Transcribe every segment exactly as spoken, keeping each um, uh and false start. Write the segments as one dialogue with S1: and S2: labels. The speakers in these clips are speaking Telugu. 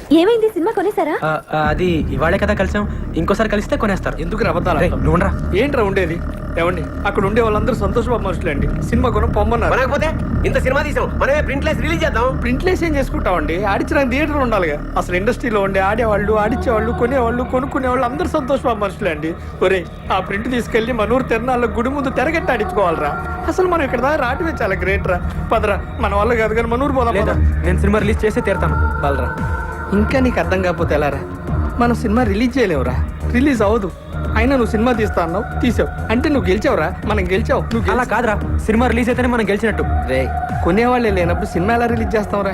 S1: ఏమైంది? సినిమా కొనేసారా?
S2: అది ఇవాళే కదా కలిసాం, ఇంకోసారి కలిస్తే కొనేస్తారు.
S3: ఎందుకు రవ్వతారా?
S2: నువ్వురా.
S3: ఏంట్రా ఉండేది? ఏమండి, అక్కడ ఉండే వాళ్ళందరూ సంతోషబాబు మనుషులే అండి. సినిమా కొనం పొమ్మన్నారు.
S4: కొనకపోతే ఇంత సినిమా తీసాం, మనమే ప్రింట్లెస్ రిలీజ్ చేద్దాం.
S3: ప్రింట్లెస్ ఏం చేసుకుంటామండి? ఆడించడానికి థియేటర్ ఉండాలిగా. అసలు ఇండస్ట్రీలో ఉండే ఆడేవాళ్ళు, ఆడించేవాళ్ళు, కొనేవాళ్ళు, కొనుక్కునే వాళ్ళు అందరూ సంతోషబాబు మనుషులే అండి. ఒరే, ఆ ప్రింట్ తీసుకెళ్లి మన ఊరు తిరణాల్లో గుడి ముందు తెరగట్టి ఆడించుకోవాలరా. అసలు మనం ఇక్కడ దాకా రావటమే చాలా గ్రేట్ రా. పదరా, మన వల్ల కాదు కానీ మన ఊరు పోదాం.
S2: నేను సినిమా రిలీజ్ చేసి తీరుతాను.
S3: బలరా, ఇంకా నీకు అర్థం కాకపోతే ఎలారా? మనం సినిమా రిలీజ్ చేయలేవురా, రిలీజ్ అవ్వదు. అయినా నువ్వు సినిమా తీస్తా అన్నావు, తీసావు అంటే నువ్వు గెలిచావురా. మనం గెలిచావు. నువ్వు
S2: అలా కాదురా, సినిమా రిలీజ్ అయితేనే మనం గెలిచినట్టు.
S3: రే, కొనేవాళ్ళే లేనప్పుడు సినిమా ఎలా రిలీజ్ చేస్తావురా?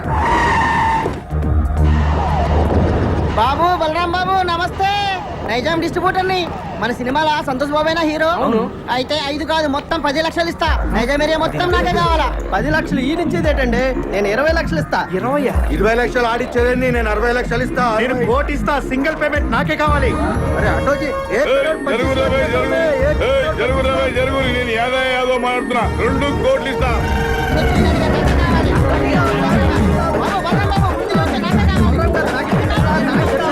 S5: బాబు, బలరాం బాబు, నమస్తే. నైజాం డిస్ట్రిబ్యూటర్ ని. మన సినిమాలో సంతోష్ బాబేనా హీరో?
S3: అవును.
S5: అయితే ఐదు కాదు, మొత్తం పది లక్షలు ఇస్తా. నైజాం ఏరియా మొత్తం నాకే కావాలా.
S4: పది లక్షలు ఈ నుంచేదేటండి, నేను ఇరవై లక్షలు ఇస్తా.
S3: ఇరవై
S6: ఇరవై లక్షలు ఆడిచ్చేదండి, నేను అరవై లక్షలు ఇస్తా.
S3: నేను కోటి ఇస్తా. సింగిల్ పేమెంట్ నాకే కావాలి.
S6: అరే అటోజీ,
S7: జరుగు నేను ఏదో ఏదో మాట్లాడుతున్నా. రెండు కోట్లు ఇస్తా.
S5: బాబు, బలరాం బాబు, ముందు వచ్చే నాకే కావాలి.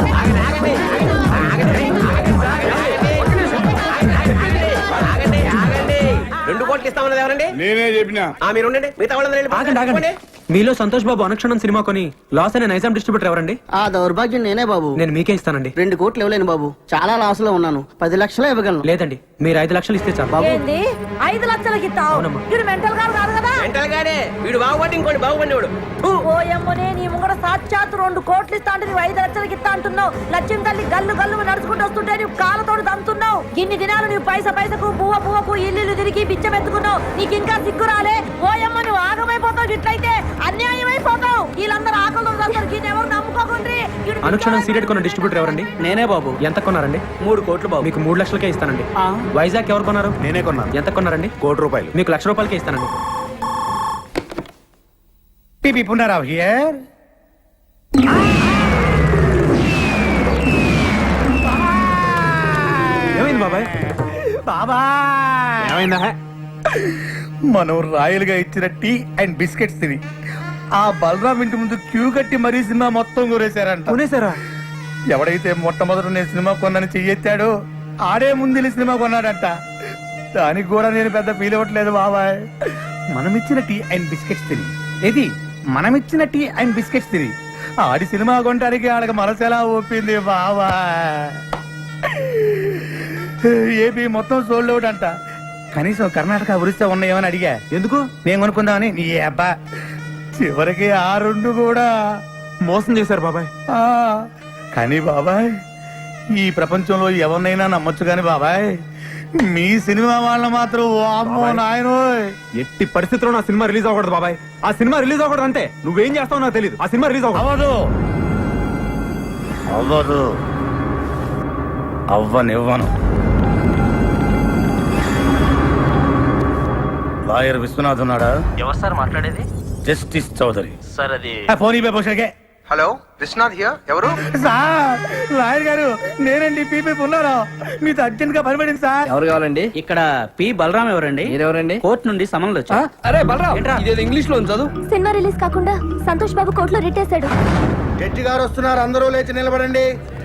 S4: రెండు కోట్లు ఇస్తామన్నది ఎవరండి?
S7: నేనే చెప్పినా.
S4: ఆ, మీరు ఉండండి, మిగతా వాళ్ళందరూ
S2: ఆగండి ఆగండి. మీలో సంతోష్ బాబు అనుక్షణం సినిమా కొని లాస్ అయిన నైజాం డిస్ట్రిబ్యూటర్ ఎవరండి?
S5: ఆ దౌర్భాగ్యం నేనే బాబు.
S2: నేను మీకే ఇస్తానండి.
S5: రెండు కోట్లు ఇవ్వలేను బాబు, చాలా లాస్ లో ఉన్నాను. పది లక్షలే ఇవ్వగలను.
S2: లేదండి, మీరు ఐదు లక్షలు ఇస్తే చాలు. బాబు,
S8: ఏంది ఐదు లక్షలకి ఇస్తావు?
S2: అవునమ్మా.
S8: వీడు మెంటల్ గారు కాదు కదా.
S4: మెంటల్ గాడే వీడు. బాగుపడి ఇంకోటి బాగుపడినవాడు.
S8: ఓ ఎమ్మనే, నీ ముంగడ సాక్షాత్ రెండు కోట్లు ఇస్తా అంటే నువ్వు ఐదు లక్షలకి ఇస్తా అంటున్నావు. లక్ష్యం తల్లి గల్లు గల్లు నడుచుకుంటూ వస్తుంటే నువ్వు కాళ్ళతోడు దంతున్నావు. ఇన్ని దినాలు నువ్వు పైస పైసకు పువ్వ పువ్వకు ఇల్లు తిరిగి బిచ్చం ఎత్తుకున్నావు. నీకు ఇంకా సిగ్గు రాలే? ఓ ఎమ్మ, నువ్వు ఆగమైపోతావు. ఇట్లయితే అన్యాయం అయిపోతావు. వీళ్ళందరూ ఆకలి ఎవరు నమ్ముకోకుండ్రి.
S2: అనుక్షణం సీరియట్ కొన్న డిస్ట్రిబ్యూటర్ ఎవరండి?
S3: నేనే బాబు.
S2: ఎంత కొన్నారండి?
S3: మూడు కోట్లు బాబు.
S2: మీకు మూడు లక్షలకే ఇస్తానండి. వైజాగ్ ఎవరు కొన్నారు?
S6: నేనే కొన్నాను.
S2: ఎంత కొన్నారండి?
S6: కోటి రూపాయలు.
S2: మీకు లక్ష రూపాయలకే ఇస్తానండి.
S6: టీపీ పునరావ్ హియర్.
S2: ఏమైంది బాబాయ్?
S6: బాబా,
S2: ఏమైందా?
S6: మనం రాయలుగా ఇచ్చిన టీ అండ్ బిస్కెట్స్ తిని ఆ బలరాం ఇంటి ముందు క్యూ కట్టి మరీ సినిమా మొత్తం కొనేశారంట.
S2: కొనేసారా?
S6: ఎవడైతే మొట్టమొదటి నేను సినిమా కొన్నాను చెయ్యెత్తాడో ఆడే ముందు సినిమా కొన్నాడంట. దానికి కూడా నేను పెద్ద ఫీల్ అవ్వట్లేదు బాబాయ్. మనమిచ్చిన టీ అండ్ బిస్కెట్స్ తిని ఇది మనమిచ్చిన టీ అండ్ బిస్కెట్స్ తిని ఆడి సినిమా కొనడానికి ఆడకి మనసెలా ఒప్పింది బాబా. ఏపీ మొత్తం సోల్డ్ అవుట్ అంట. కనీసం కర్ణాటక ఒరిస్సా ఉన్నాయేమని అడిగా.
S2: ఎందుకు?
S6: నేను కొనుక్కుందామని. నీ అబ్బా, చివరికి ఆ రెండు కూడా
S2: మోసం చేశారు బాబాయ్.
S6: ఆ, కానీ బాబాయ్, ఈ ప్రపంచంలో ఎవరినైనా నమ్మొచ్చు కానీ బాబాయ్, మీ సినిమా వాళ్ళ మాత్రం వామ్మో నాయనోయ్.
S2: ఎట్టి పరిస్థితుల్లో నా సినిమా రిలీజ్ అవ్వకూడదు బాబాయ్. ఆ సినిమా రిలీజ్ అవ్వకూడదు అంతే. నువ్వేం చేస్తావు నాకు తెలియదు. ఆ సినిమా రిలీజ్ అవ్వదు.
S6: అవ్వదు, అవ్వనివ్వను. లాయర్ విశ్వనాథ్ ఉన్నాడా?
S9: ఎవరు సార్ మాట్లాడేది?
S6: జస్టిస్ చౌదరి
S9: సార్ అది
S6: ఫోన్ ఇవ్వ పోషకే.
S9: Hello, Viswanath here. ఎవరు?
S6: సార్, లాయర్ గారు నేనండి. పీపీ ఉన్నారా? మీతో అర్జెంట్ గా పనిపడింది సార్.
S3: ఎవరు కావాలండి? ఇక్కడ పి బలరాం ఎవరండి? మీరెవరండి? కోర్టు నుండి సమన్లు వచ్చా. అరే బలరాం, ఇదేదో ఇంగ్లీష్ లో చదువు.
S1: సినిమా రిలీజ్ కాకుండా సంతోష్ బాబు కోర్టులో రిట్టేశాడు.
S6: జడ్జి గారు వస్తున్నారు, అందరూ లేచి నిలబడండి.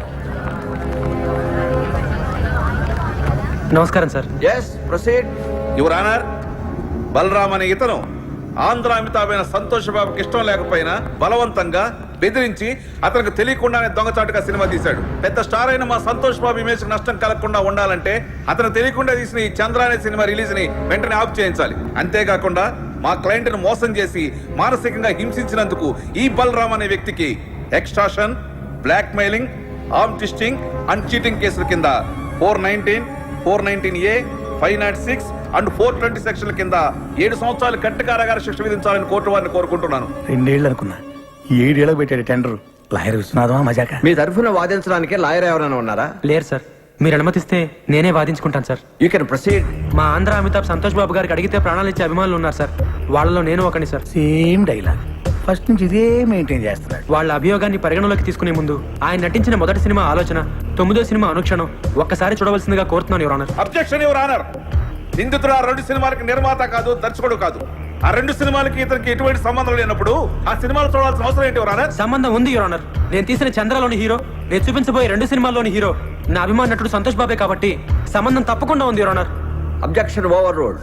S2: నమస్కారం sir.
S7: Yes, proceed your honour. Balaram అనే ఇతను ఆంధ్ర అమితాబైన సంతోష్ బాబుకి ఇష్టం లేకపోయినా బలవంతంగా బెదిరించి అతనికి తెలియకుండానే దొంగచాటుగా సినిమా తీశాడు. పెద్ద స్టార్ అయిన మా సంతోష్ బాబు ఇమేజ్ నష్టం కలగకుండా ఉండాలంటే అతను తెలియకుండా తీసిన ఈ చంద్ర అనే సినిమా రిలీజ్ ని వెంటనే ఆఫ్ చేయించాలి. అంతేకాకుండా మా క్లయింట్ ను మోసం చేసి మానసికంగా హింసించినందుకు ఈ బలరామ్ అనే వ్యక్తికి extortion, blackmailing, arm twisting and cheating కేసుల కింద four nineteen four nineteen A five naught six and four twenty సెక్షన్ల కింద ఏడు సంవత్సరాలు కట్టు కారాగార శిక్ష విధించాలని కోర్టు వారిని కోరుకుంటున్నాను.
S6: రెండేళ్ళు అనుకున్నా, ఏడేళ్ళకి పెట్టాడు టెండర్. లాయర్ విశ్వనాథమా మజాక?
S4: మీ తరఫున వాదించడానికి లాయర్ ఎవరైనా ఉన్నారా?
S2: లేరు సార్. మీరు అనుమతిస్తే నేనే వాదించుకుంటాను సార్.
S4: You can proceed.
S2: మా ఆంధ్ర అమితాబ్ సంతోష్ బాబు గారికి అడిగితే ప్రాణాలు ఇచ్చే అభిమానులు ఉన్నారు సార్. వాళ్ళలో నేను ఒకని సార్.
S6: Same dialogue. ఫస్ట్ నుంచి ఇదే మెయింటైన్ చేస్తున్నాడు.
S2: వాళ్ళ అభియోగాన్ని పరిగణలోకి తీసుకునే ముందు ఆయన నటించిన మొదటి సినిమా ఆలోచన, తొమ్మిదో సినిమా అనుక్షణం ఒక్కసారి చూడవలసిందిగా కోరుతున్నాను your honour.
S7: Objection your honour. నిందితుడు ఆ రెండు సినిమాలకు నిర్మాత కాదు, దర్శకుడు కాదు. ఆ రెండు సినిమాలకి ఇతనికి ఎటువంటి సంబంధం లేనప్పుడు ఆ సినిమాలు చూడాల్సిన అవసరం ఏంటి యువర్ ఆనర్?
S10: సంబంధం ఉంది యువర్ ఆనర్. నేను తీసిన చంద్రలోని హీరో, నేను చూపించబోయే రెండు సినిమాల్లోని హీరో నా అభిమాన నటుడు సంతోష్ బాబే కాబట్టి సంబంధం తప్పకుండా ఉంది your honour.
S4: Objection overruled.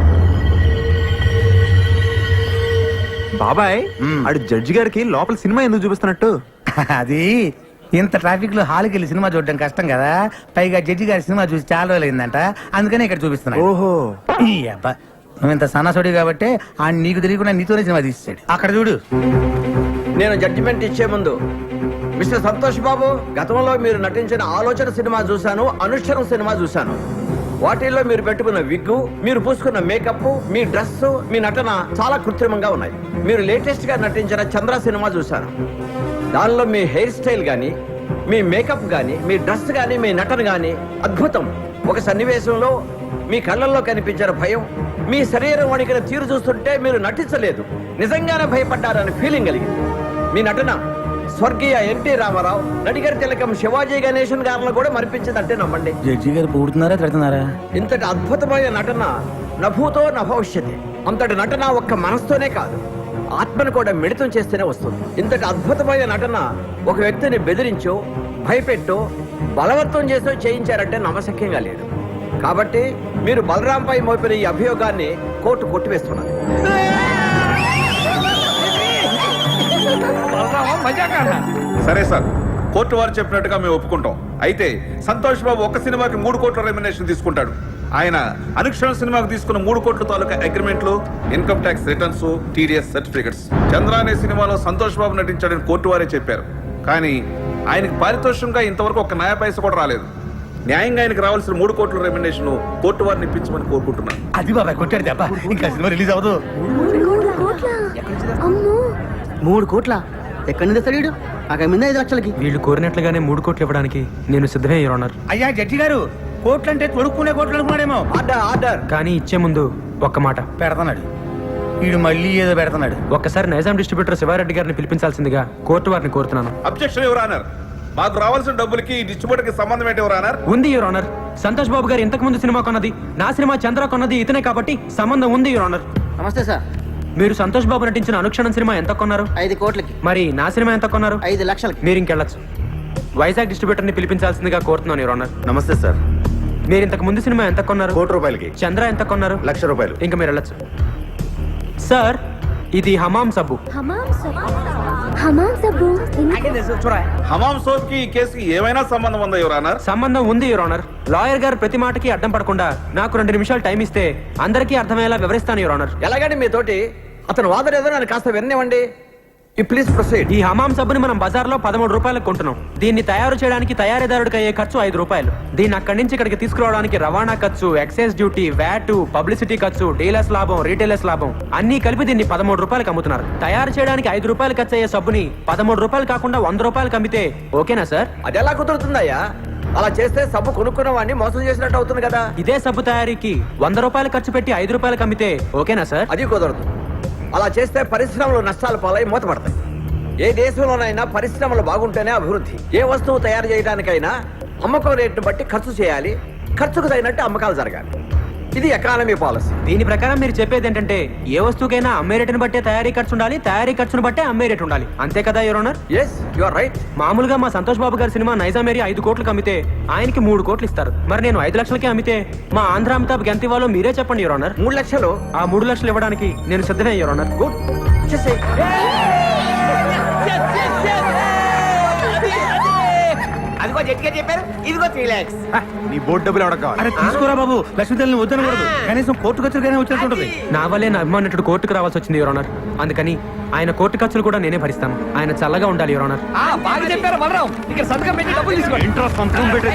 S2: బాబాయ్ ఆడు జడ్జి గారికి లోపల సినిమా ఎందుకు చూపిస్తున్నట్టు?
S6: అది ఇంత ట్రాఫిక్ లో హాల్కి వెళ్ళి సినిమా చూడడం కష్టం కదా, పైగా జడ్జి గారి సినిమా చూసి చాలా రోజులైందంట, అందుకనే ఇక్కడ చూపిస్తున్నా.
S2: ఓహో
S6: ఈ అబ్బా, నువ్వు ఇంత సన్నాసుడి కాబట్టి ఆ నీకు తెలియకుండా నీతోనే సినిమా తీసాడు. అక్కడ చూడు.
S4: నేను జడ్జిమెంట్ ఇచ్చే ముందు మిస్టర్ సంతోష్ బాబు, గతంలో మీరు నటించిన ఆలోచన సినిమా చూశాను, అనుష్ఠరం సినిమా చూశాను. వాటిల్లో మీరు పెట్టుకున్న విగ్గు, మీరు పూసుకున్న మేకప్, మీ డ్రెస్, మీ నటన చాలా కృత్రిమంగా ఉన్నాయి. మీరు లేటెస్ట్ గా నటించిన చంద్ర సినిమా చూశాను. దానిలో మీ హెయిర్ స్టైల్ గానీ, మీ మేకప్ గానీ, మీ డ్రెస్ గానీ, మీ నటన గానీ అద్భుతం. ఒక సన్నివేశంలో మీ కళ్ళల్లో కనిపించిన భయం, మీ శరీరం వణికిన తీరు చూస్తుంటే మీరు నటించలేదు, నిజంగానే భయపడ్డారని ఫీలింగ్ కలిగింది. మీ నటన స్వర్గీయ ఎన్టీ రామారావు, నడిగర్ తిలకం శివాజీ గణేశన్ గారిని కూడా మరిపించిందంటే నమ్మండి.
S6: జడ్జి గారు పూడుతున్నారా తిడుతున్నారా?
S4: ఇంతటి అద్భుతమైన నటన నభూతో నభవిష్యతి. అంతటి నటన ఒక్క మనసుతోనే కాదు, ఆత్మను కూడా మిళితం చేస్తేనే వస్తుంది. ఇంతటి అద్భుతమైన నటన ఒక వ్యక్తిని బెదిరించో, భయపెట్టో, బలవంతం చేసో చేయించారంటే నమ్మశక్యంగా లేదు. కాబట్టి మీరు బలరాంపై మోపిన ఈ అభియోగాన్ని కోర్టు కొట్టివేస్తున్నది.
S7: సరే సార్, కోర్టు వారు చెప్పినట్టుగా మేము ఒప్పుకుంటాం. అయితే సంతోష్ బాబు ఒక్క సినిమాకి మూడు కోట్ల రెమ్యునరేషన్ తీసుకుంటాడు. ఆయన అనుక్షణం సినిమాకు తీసుకున్న మూడు కోట్ల తాలూకా అగ్రిమెంట్లు, income tax returns, TDS certificates. Chandra అనే సినిమాలో సంతోష్ బాబు నటించాడని కోర్టు వారే చెప్పారు. కానీ ఆయనకు పారితోషికంగా ఇంతవరకు ఒక న్యాయ పైస కూడా రాలేదు. న్యాయంగా ఆయనకు రావాల్సిన మూడు కోట్ల రెమ్యునరేషన్ కోర్టు వారిని ఇప్పించమని కోరుకుంటున్నాను.
S6: అది బాబాయ్ కొట్టాడు దెబ్బ, ఇంకా సినిమా రిలీజ్ అవ్వదు.
S5: మూడు కోట్ల ఎక్కడి నుంచి తెస్తాడు? అక్కడ మీద ఐదు లక్షలకి.
S10: వీళ్ళు కోరినట్లుగానే మూడు కోట్లు ఇవ్వడానికి నేను సిద్ధమే యువర్ ఆనర్.
S6: అయ్యా జడ్జి గారు, కోట్లు అంటే తొడుక్కునే కోట్లు అనుకున్నాడేమో.
S4: Order order.
S10: కానీ ఇచ్చే ముందు ఒక్క మాట
S6: పెడతాడు వీడు, మళ్ళీ ఏదో పెడతాడు.
S10: ఒక్కసారి నైజాం డిస్ట్రిబ్యూటర్ శివారెడ్డి గారిని పిలిపించాల్సిందిగా కోర్టు వారిని కోరుతున్నాను.
S7: Objection your honour. మాకు రావాల్సిన డబ్బులకి ఈ డిస్ట్రిబ్యూటర్ కి సంబంధం ఏంటి యువర్ ఆనర్?
S10: ఉంది యువర్ ఆనర్. సంతోష్ బాబు గారు ఇంతకు ముందు సినిమా కొన్నది, నా సినిమా చంద్ర కొన్నది ఇతనే కాబట్టి సంబంధం ఉంది యువర్ ఆనర్.
S5: నమస్తే సార్.
S10: మీరు సంతోష్ బాబు నటించిన అనుక్షణం సినిమా ఎంత కొన్నారు?
S5: ఐదు కోట్లకి.
S10: మరి నా సినిమా ఎంత కొన్నారు?
S5: ఐదు లక్షలకి.
S10: మీరు ఇంకెళ్ళచ్చు. వైజాగ్ డిస్ట్రిబ్యూటర్ ని పిలిపించాల్సిందిగా కోరుతున్నాను యువర్ ఆనర్.
S2: నమస్తే సార్.
S10: మీరు ఇంతకు ముందు సినిమా ఎంత కొన్నారు?
S2: కోటి రూపాయలకి.
S10: చంద్ర ఎంత కొన్నారు?
S2: లక్ష రూపాయలు.
S10: ఇంకా మీరు వెళ్ళచ్చు. సార్, ఇది హమాం సబ్బు.
S1: హమాం సబ్బు. హమాం సబ్బు.
S7: హమాం సోప్ కి ఈ కేసుకి ఏమైనా సంబంధం ఉందా యువర్ ఆనర్?
S10: సంబంధం ఉంది యువర్ ఆనర్. లాయర్ గారు ప్రతి మాటకి అడ్డం పడకుండా నాకు రెండు నిమిషాలు టైం ఇస్తే అందరికీ అర్థమయ్యేలా వివరిస్తాను యువర్ ఆనర్.
S4: ఎలాగండి మీతోటి అతను వాదన ఏదో నన్ను కాస్త విననివ్వండి. ఈ ప్లీజ్ ప్రొసీడ్.
S10: ఈ హమాం సబ్బుని మనం బజార్లో పదమూడు రూపాయలకు కొంటున్నాం. దీన్ని తయారు చేయడానికి తయారీదారుడికి అయ్యే ఖర్చు ఐదు రూపాయలు. దీన్ని అక్కడి నుంచి ఇక్కడికి తీసుకురావడానికి రవాణా ఖర్చు, ఎక్సైజ్ డ్యూటీ, వ్యాట్, పబ్లిసిటీ ఖర్చు, డీలర్స్ లాభం, రీటైలర్స్ లాభం అన్ని కలిపి దీన్ని పదమూడు రూపాయలకు అమ్ముతున్నారు. తయారు చేయడానికి ఐదు రూపాయలు ఖర్చు అయ్యే సబ్బుని పదమూడు రూపాయలు కాకుండా వంద రూపాయలకు అమ్మితే ఓకేనా సార్?
S4: అది ఎలా కుదురుతుందయ్యా? అలా చేస్తే సబ్బు కొనుక్కున్న వాడిని మోసం చేసినట్టు అవుతుంది కదా.
S10: ఇదే సబ్బు తయారీకి వంద రూపాయలు ఖర్చు పెట్టి ఐదు రూపాయలకు అమ్మితే ఓకేనా సార్?
S4: అది కుదరదు. అలా చేస్తే పరిశ్రమలు నష్టాల పాలై మూతపడతాయి. ఏ దేశంలోనైనా పరిశ్రమలు బాగుంటేనే అభివృద్ధి. ఏ వస్తువు తయారు చేయడానికైనా అమ్మకం రేటును బట్టి ఖర్చు చేయాలి, ఖర్చుకు తగినట్టు అమ్మకాలు జరగాలి. ఇది ఎకానమీ పాలసీ.
S10: దీని ప్రకారం మీరు చెప్పేది ఏంటంటే ఏ వస్తువుకైనా అమ్మే రేటును బట్టే తయారీ ఖర్చు ఉండాలి, తయారీ ఖర్చును బట్టే అమ్మే రేటు ఉండాలి, అంతే కదా your honour?
S4: Yes, you are right.
S10: మామూలుగా మా సంతోష్ బాబు గారి సినిమా నైజాం ఏరియా ఐదు కోట్లకు అమ్మితే ఆయనకి మూడు కోట్లు ఇస్తారు. మరి నేను ఐదు లక్షలకే అమ్మితే మా ఆంధ్ర అమితాబ్ ఎంత ఇవ్వాలో మీరే చెప్పండి యువర్ ఆనర్.
S4: మూడు లక్షలు.
S10: ఆ మూడు లక్షలు ఇవ్వడానికి నేను సిద్ధమే యువర్ ఆనర్.
S4: గుడ్.
S5: అదిగో జట్గా చెప్పారు, ఇదిగో త్రీ లాక్స్.
S2: నీ బోర్డు డబ్బులు ఎవడ కావాలి?
S6: అరే తీసుకోరా బాబు, లక్ష్మీదేవిని వద్దనకూడదు. కనీసం కోర్టు ఖర్చులుగానే వచ్చినట్టుంటది.
S10: నా వల్లే నా అభిమానుడు కోర్టుకు రావాల్సి వచ్చింది యువర్ ఆనర్. అందుకని ఆయన కోర్టు ఖర్చులు కూడా నేనే భరిస్తాను. ఆయన చల్లగా ఉండాలి యువర్ ఆనర్.
S3: బాగా చెప్పారు బలరాం. ఇక్కడ సంతకం పెట్టి డబ్బులు తీసుకోండి.
S2: ఇంట్రెస్ట్ సంతకం పెట్టి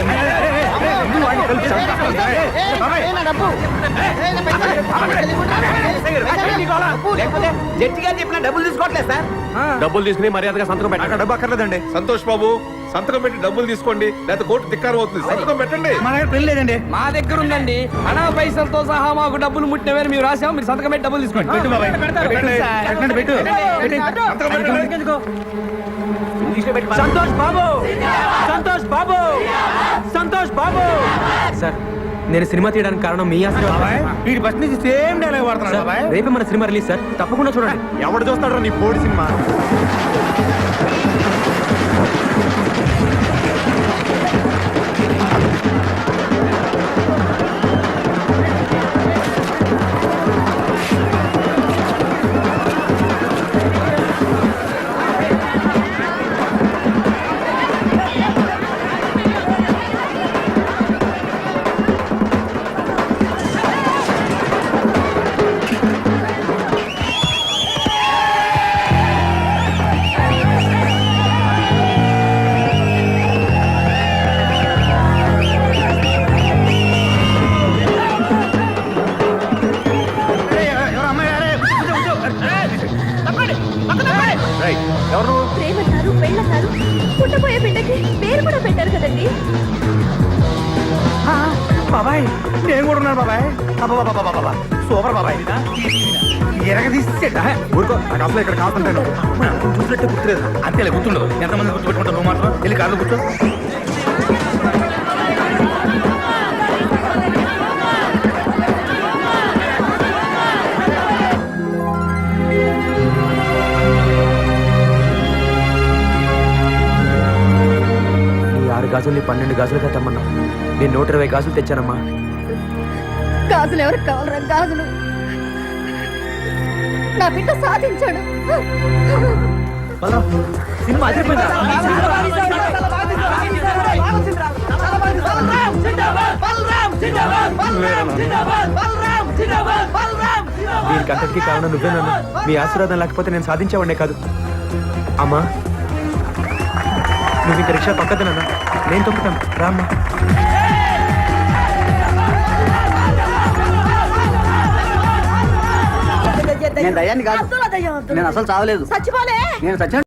S4: జడ్జి గారు చెప్పిన డబ్బులు తీసుకోవట్లేదు సార్.
S2: డబ్బులు తీసుకుని మర్యాదగా సంతకం పెట్టాక డబ్బు అక్కర్లేదండి.
S7: సంతోష్ బాబు, సంతకం పెట్టి డబ్బులు తీసుకోండి, లేకపోతే కోర్టు ధిక్కారం అవుతుంది. సంతకం పెట్టండి.
S6: మా దగ్గర పెళ్లి లేదండి.
S3: మా దగ్గర ఉందండి. అనా పైసలతో సహా మాకు డబ్బులు ముట్టినవేరు మేము రాసాము. మీరు సంతకం పెట్టి డబ్బులు తీసుకోండి.
S6: పెట్టు బాబాయ్, పెట్టండి, పెట్టు, పెట్టు.
S10: సంతోష్ బాబు, సంతోష్ బాబు, సంతోష్ బాబు. సార్, నేను సినిమా తీయడానికి కారణం మీ ఆశీర్వాదం
S6: బాబాయ్ వీడి ఫస్ట్ నుంచి సేమ్ డైలాగ్ వాడుతున్నాడు
S10: సార్,
S6: బాబాయ్.
S10: రేపే మన సినిమా రిలీజ్ సార్, తప్పకుండా చూడండి.
S2: ఎవడు చూస్తాడు నీ పోడి సినిమా?
S6: ఏయ్, ఎవరు అమ్మాయి? అరే, కూర్చో, కూర్చో. ఏయ్, తప్పండి, పక్కన తప్పండి.
S2: రేయ్, ఎవరు నువ్వు?
S1: ప్రేమన్నారు పెళ్ళన్నారు పుట్టబోయే బిడ్డకి పేరు కూడా పెట్టారు కదండి.
S6: ఆ, బాబాయ్ నేను కూడా ఉన్నాను బాబాయ్. అబ్బబ్బబ్బబ్బబ్బబ్బ. సూపర్ బాబాయ్. ఎరగ తీసేట
S2: ఊరుకో, నాకు అసలు ఇక్కడ కాకుంటాను. చూసినట్టే గుర్తులేదు.
S6: అంతేలే గుర్తుండదు. ఎంతమంది గుర్తుపెట్టుకుంటావు నువ్వు మాత్రం. వెళ్ళి కార్లో కూర్చో.
S10: ఈ ఆరు గాజుల్ని పన్నెండు గాజులుగా తెమ్మన్నా. నేను నూట ఇరవై గాజులు తెచ్చానమ్మా.
S1: గాజులు ఎవరికి కావాలరా గాజులు? నా బిడ్డ సాధించాడు.
S10: సినిమా అదిరిపోయిందా? దీనికి అంతటికీ కారణం నువ్వేనన్నా. మీ ఆశీర్వాదం లేకపోతే నేను సాధించేవాడినే కాదు. అమ్మా, నువ్వు ఇంక రిక్షా పక్కదనన్నా, నేను తొక్కుతాను. రామ్మా.
S5: నేను దయ్యాన్ని కాదు.
S8: అద్దుల దయ్యం, అద్దుల
S5: నేను అసలు చావలేదు.
S8: చచ్చిపోలే.
S5: నేను సత్యం